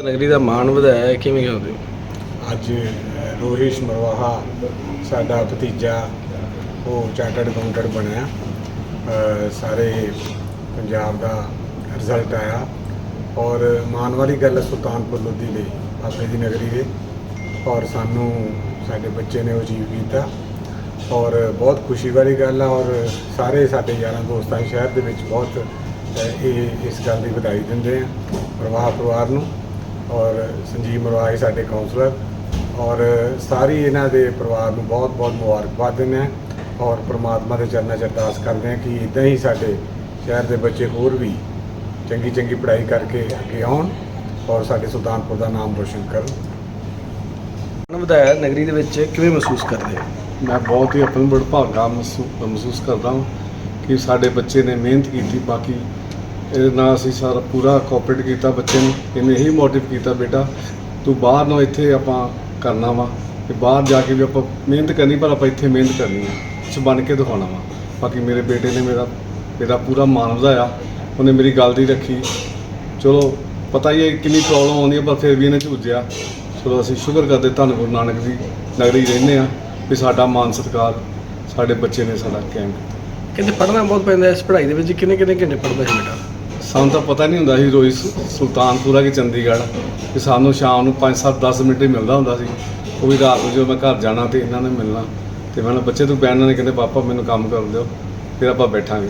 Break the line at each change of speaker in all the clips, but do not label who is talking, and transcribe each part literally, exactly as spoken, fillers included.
ਨਗਰੀ ਦਾ ਮਾਣ ਵਧਾਇਆ ਕਿਵੇਂ ਕਰਦੇ ਹੋ?
ਅੱਜ ਰੋਹਿਸ਼ ਮਰਵਾਹਾ ਸਾਡਾ ਭਤੀਜਾ ਉਹ ਚਾਰਟਰਡ ਅਕਾਊਂਟੈਂਟ ਬਣਿਆ। ਅ, ਸਾਰੇ ਪੰਜਾਬ ਦਾ ਰਿਜ਼ਲਟ ਆਇਆ ਔਰ ਮਾਣ ਵਾਲੀ ਗੱਲ ਹੈ ਸੁਲਤਾਨਪੁਰ ਲੋਧੀ ਲਈ ਬਾਬੇ ਦੀ ਨਗਰੀ ਦੇ, ਔਰ ਸਾਨੂੰ ਸਾਡੇ ਬੱਚੇ ਨੇ ਉਹ ਅਚੀਵ ਕੀਤਾ ਔਰ ਬਹੁਤ ਖੁਸ਼ੀ ਵਾਲੀ ਗੱਲ ਆ। ਔਰ ਸਾਰੇ ਸਾਡੇ ਯਾਰਾਂ ਦੋਸਤਾਂ ਸ਼ਹਿਰ ਦੇ ਵਿੱਚ ਬਹੁਤ ਇਹ ਇਸ ਗੱਲ ਦੀ ਵਧਾਈ ਦਿੰਦੇ ਆ ਮਰਵਾਹਾ ਪਰਿਵਾਰ ਨੂੰ, ਔਰ ਸੰਜੀਵ ਮਰਵਾਹਾ ਹੀ ਸਾਡੇ ਕਾਉਂਸਲਰ, ਔਰ ਸਾਰੀ ਇਹਨਾਂ ਦੇ ਪਰਿਵਾਰ ਨੂੰ ਬਹੁਤ ਬਹੁਤ ਮੁਬਾਰਕਬਾਦ ਦਿੰਦੇ ਹਾਂ ਔਰ ਪ੍ਰਮਾਤਮਾ ਦੇ ਚਰਨਾਂ 'ਚ ਅਰਦਾਸ ਕਰਦੇ ਹਾਂ ਕਿ ਇੱਦਾਂ ਹੀ ਸਾਡੇ ਸ਼ਹਿਰ ਦੇ ਬੱਚੇ ਹੋਰ ਵੀ ਚੰਗੀ ਚੰਗੀ ਪੜ੍ਹਾਈ ਕਰਕੇ ਅੱਗੇ ਆਉਣ ਔਰ ਸਾਡੇ ਸੁਲਤਾਨਪੁਰ ਦਾ ਨਾਮ ਰੋਸ਼ਨ ਕਰਨ।
ਮਾਣ ਵਧਾਇਆ ਨਗਰੀ ਦੇ ਵਿੱਚ ਕਿਵੇਂ ਮਹਿਸੂਸ ਕਰਦੇ ਹੋ?
ਮੈਂ ਬਹੁਤ ਹੀ ਆਪਣੀ ਵਡਭਾਗਾ ਮਹਿਸੂਸ ਕਰਦਾ ਹਾਂ ਕਿ ਸਾਡੇ ਬੱਚੇ ਨੇ ਮਿਹਨਤ ਕੀਤੀ। ਬਾਕੀ ਇਹਦੇ ਨਾਲ ਅਸੀਂ ਸਾਰਾ ਪੂਰਾ ਕੋਆਪਰੇਟ ਕੀਤਾ ਬੱਚੇ ਨੂੰ, ਇਹਨੇ ਇਹੀ ਮੋਟਿਵ ਕੀਤਾ ਬੇਟਾ ਤੂੰ ਬਾਹਰ ਨਾ ਇੱਥੇ ਆਪਾਂ ਕਰਨਾ ਵਾ ਕਿ ਬਾਹਰ ਜਾ ਕੇ ਵੀ ਆਪਾਂ ਮਿਹਨਤ ਕਰਨੀ ਪਰ ਆਪਾਂ ਇੱਥੇ ਮਿਹਨਤ ਕਰਨੀ ਹੈ, ਕੁਛ ਬਣ ਕੇ ਦਿਖਾਉਣਾ ਵਾ। ਬਾਕੀ ਮੇਰੇ ਬੇਟੇ ਨੇ ਮੇਰਾ ਮੇਰਾ ਪੂਰਾ ਮਾਣ ਵਧਾਇਆ, ਉਹਨੇ ਮੇਰੀ ਗੱਲ ਦੀ ਰੱਖੀ। ਚਲੋ ਪਤਾ ਹੀ ਹੈ ਕਿੰਨੀ ਪ੍ਰੋਬਲਮ ਆਉਂਦੀ ਹੈ ਪਰ ਫਿਰ ਵੀ ਇਹਨੇ ਝੂਝਿਆ। ਚਲੋ ਅਸੀਂ ਸ਼ੁਕਰ ਕਰਦੇ ਧੰਨ ਗੁਰੂ ਨਾਨਕ ਦੀ ਨਗਰੀ ਰਹਿੰਦੇ ਹਾਂ ਵੀ ਸਾਡਾ ਮਾਨ ਸਤਿਕਾਰ ਸਾਡੇ ਬੱਚੇ ਨੇ ਸਾਡਾ ਕਾਇਮ ਕੀਤਾ।
ਕਹਿੰਦੇ ਪੜ੍ਹਨਾ ਬਹੁਤ ਪੈਂਦਾ ਇਸ ਪੜ੍ਹਾਈ ਦੇ ਵਿੱਚ, ਕਿੰਨੇ ਕਿੰਨੇ ਘੰਟੇ ਪੜ੍ਹਦਾ ਸੀ ਬੇਟਾ?
ਸਾਨੂੰ ਤਾਂ ਪਤਾ ਨਹੀਂ ਹੁੰਦਾ ਸੀ ਰੋਜ਼ ਸੁਲਤਾਨਪੁਰਾ ਕਿ ਚੰਡੀਗੜ੍ਹ, ਕਿ ਸਾਨੂੰ ਸ਼ਾਮ ਨੂੰ ਪੰਜ ਸੱਤ ਦਸ ਮਿੰਟ ਹੀ ਮਿਲਦਾ ਹੁੰਦਾ ਸੀ। ਉਹ ਵੀ ਰਾਤ ਨੂੰ ਜਦੋਂ ਮੈਂ ਘਰ ਜਾਣਾ ਤੇ ਇਹਨਾਂ ਨੇ ਮਿਲਣਾ ਤੇ ਮੈਂ ਬੱਚੇ ਤੂੰ ਬੈਠਣਾ, ਨੇ ਕਹਿੰਦੇ ਪਾਪਾ ਮੈਨੂੰ ਕੰਮ ਕਰ ਦਿਓ, ਫਿਰ ਆਪਾਂ ਬੈਠਾਂਗੇ।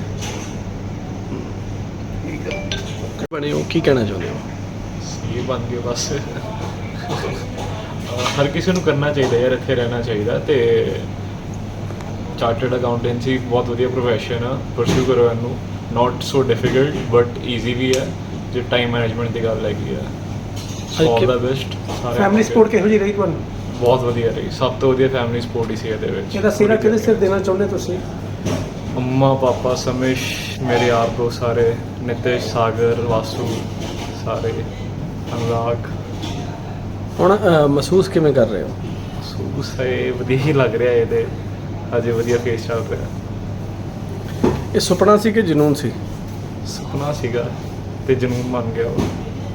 ਬਣੇ ਹੋ ਕੀ ਕਹਿਣਾ ਚਾਹੁੰਦੇ ਹੋ?
ਇਹ ਬਣ ਗਏ ਬਸ। ਹਰ ਕਿਸੇ ਨੂੰ ਕਰਨਾ ਚਾਹੀਦਾ ਯਾਰ, ਇੱਥੇ ਰਹਿਣਾ ਚਾਹੀਦਾ। ਤੇ ਚਾਰਟਰਡ ਅਕਾਊਂਟੈਂਸੀ ਬਹੁਤ ਵਧੀਆ ਪ੍ਰੋਫੈਸ਼ਨ ਆ, ਪਰਸਿਊ ਕਰੋ ਇਹਨੂੰ। Not so difficult but easy ਵੀ ਹੈ ਜੇ ਟਾਈਮ ਮੈਨੇਜਮੈਂਟ ਦੀ ਗੱਲ ਹੈਗੀ ਆ। All the best.
Family support ਕਿਹੋ ਜਿਹੀ ਰਹੀ ਤੁਹਾਨੂੰ?
ਬਹੁਤ ਵਧੀਆ ਰਹੀ, ਸਭ ਤੋਂ ਵਧੀਆ ਫੈਮਿਲੀ ਸਪੋਰਟ ਹੀ ਸੀ ਇਹਦੇ ਵਿੱਚ।
ਇਹਦਾ ਸਿਹਰਾ ਕਿਹਦੇ ਸਿਰ ਦੇਣਾ ਚਾਹੁੰਦੇ ਤੁਸੀਂ?
ਮੰਮਾ ਪਾਪਾ ਸਮੇਸ਼, ਮੇਰੇ ਯਾਰ ਦੋਸਤ ਸਾਰੇ, ਨਿਤੇਸ਼, ਸਾਗਰ, ਵਾਸੂ, ਸਾਰੇ, ਅਨੁਰਾਗ।
ਹੁਣ ਅ, ਮਹਿਸੂਸ ਕਿਵੇਂ ਕਰ ਰਹੇ ਹੋ?
ਮਹਿਸੂਸ ਹੈ ਵਧੀਆ ਹੀ ਲੱਗ ਰਿਹਾ ਇਹਦੇ, ਅਜੇ ਵਧੀਆ ਫੇਸ ਚੱਲ ਰਿਹਾ।
ਇਹ ਸੁਪਨਾ ਸੀ ਕਿ ਜਨੂਨ ਸੀ?
ਸੁਪਨਾ ਸੀਗਾ ਤੇ ਜਨੂਨ ਬਣ ਗਿਆ ਉਹ।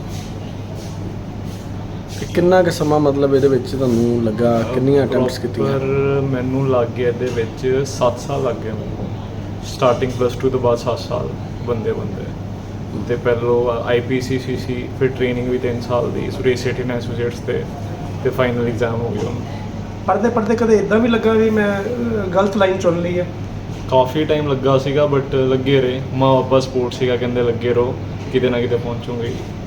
ਤੇ ਕਿੰਨਾ ਕੁ ਸਮਾਂ ਮਤਲਬ ਇਹਦੇ ਵਿੱਚ ਤੁਹਾਨੂੰ ਲੱਗਾ, ਕਿੰਨੀਆਂ ਅਟੈਂਪਟਸ ਕੀਤੀਆਂ?
ਪਰ ਮੈਨੂੰ ਲੱਗ ਗਿਆ ਇਹਦੇ ਵਿੱਚ ਸੱਤ ਸਾਲ ਲੱਗ ਗਏ ਮੈਨੂੰ, ਸਟਾਰਟਿੰਗ ਪਲੱਸ ਟੂ ਤੋਂ ਬਾਅਦ ਸੱਤ ਸਾਲ ਬੰਦੇ ਬੰਦੇ ਤੇ ਪਹਿਲੋਂ ਆਈ ਪੀ ਸੀ ਸੀ ਸੀ, ਫਿਰ ਟ੍ਰੇਨਿੰਗ ਵੀ ਤਿੰਨ ਸਾਲ ਦੀ ਸੁਰੇਸ਼ ਸੇਠੀ ਨੇ ਐਸੋਸੀਏਟਸ ਤੇ ਤੇ ਫਾਈਨਲ ਐਗਜ਼ਾਮ ਹੋ ਗਿਆ ਹੁਣ।
ਪੜ੍ਹਦੇ ਪੜ੍ਹਦੇ ਕਦੇ ਇਦਾਂ ਵੀ ਲੱਗਾ ਵੀ ਮੈਂ ਅਹ, ਗਲਤ ਲਾਈਨ ਚੁਣ ਲਈ ਹੈ?
ਕਾਫੀ ਟਾਈਮ ਲੱਗਾ ਸੀਗਾ ਬਟ ਲੱਗੇ ਰਹੇ। ਮਾਂ ਬਾਪਾ ਸਪੋਰਟ ਸੀਗਾ, ਕਹਿੰਦੇ ਲੱਗੇ ਰਹੋ ਕਿਤੇ ਨਾ ਕਿਤੇ ਪਹੁੰਚੂਗੇ।